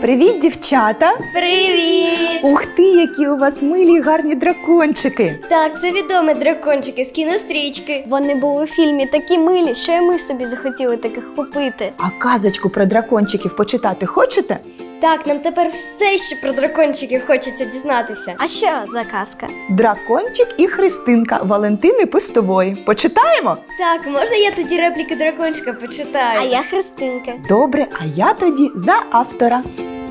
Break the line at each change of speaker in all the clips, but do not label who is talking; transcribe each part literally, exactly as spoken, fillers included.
Привіт, дівчата!
Привіт!
Ух ти, які у вас милі й гарні дракончики!
Так, це відомі дракончики з кінострічки.
Вони були в фільмі такі милі, що і ми собі захотіли таких купити.
А казочку про дракончиків почитати хочете?
Так, нам тепер все ще про дракончиків хочеться дізнатися.
А що за казка?
Дракончик і Христинка Валентини Пустової. Почитаємо?
Так, можна я тоді репліки дракончика почитаю?
А я Христинка.
Добре, а я тоді за автора.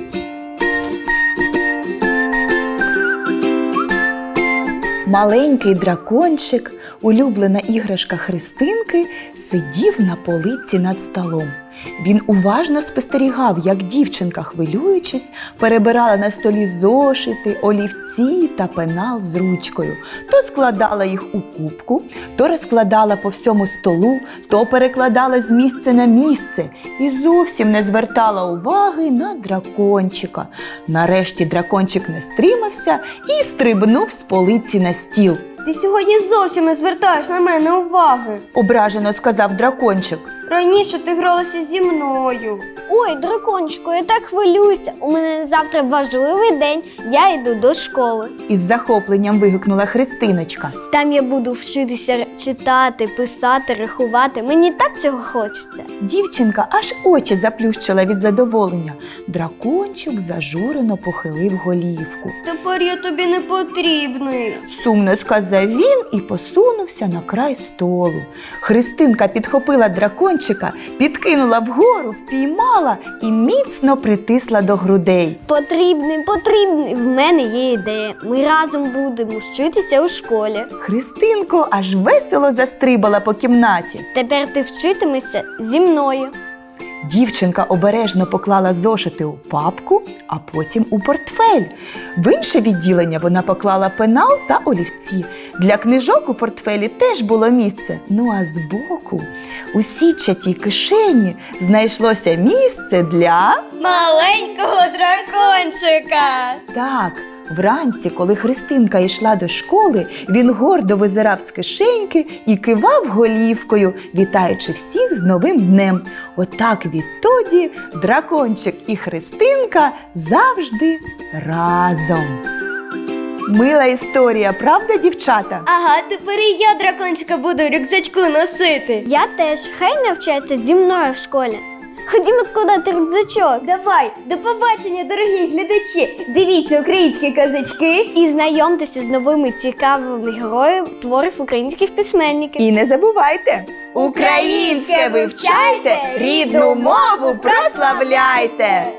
Маленький дракончик, улюблена іграшка Христинки, сидів на полиці над столом. Він уважно спостерігав, як дівчинка, хвилюючись, перебирала на столі зошити, олівці та пенал з ручкою. То складала їх у кубку, то розкладала по всьому столу, то перекладала з місця на місце і зовсім не звертала уваги на дракончика. Нарешті дракончик не стримався і стрибнув з полиці на стіл.
Ти сьогодні зовсім не звертаєш на мене уваги.
Ображено сказав дракончик.
Раніше ти гралася зі мною.
Ой, дракончику, я так хвилююся. У мене завтра важливий день, я йду до школи.
Із захопленням вигукнула Христиночка.
Там я буду вчитися читати, писати, рахувати. Мені так цього хочеться.
Дівчинка аж очі заплющила від задоволення. Дракончик зажурено похилив голівку.
Тепер я тобі не потрібний.
Сумно сказав він і посунувся на край столу. Христинка підхопила дракончика, підкинула вгору, впіймала і міцно притисла до грудей.
Потрібний, потрібний. В мене є ідея. Ми разом будемо вчитися у школі.
Христинко аж весело застрибала по кімнаті.
Тепер ти вчитимешся зі мною.
Дівчинка обережно поклала зошити у папку, а потім у портфель. В інше відділення вона поклала пенал та олівці. Для книжок у портфелі теж було місце. Ну а збоку, у сітчатій кишені, знайшлося місце для…
Маленького дракончика.
Так, вранці, коли Христинка йшла до школи, він гордо визирав з кишеньки і кивав голівкою, вітаючи всіх з новим днем. Отак відтоді дракончик і Христинка завжди разом. Мила історія, правда, дівчата?
Ага, тепер і я дракончика буду в рюкзачку носити.
Я теж. Хай навчається зі мною в школі. Ходімо складати рюкзачок.
Давай, до побачення, дорогі глядачі! Дивіться українські казочки.
І знайомтеся з новими цікавими героями творів українських письменників.
І не забувайте, українське вивчайте, рідну мову прославляйте!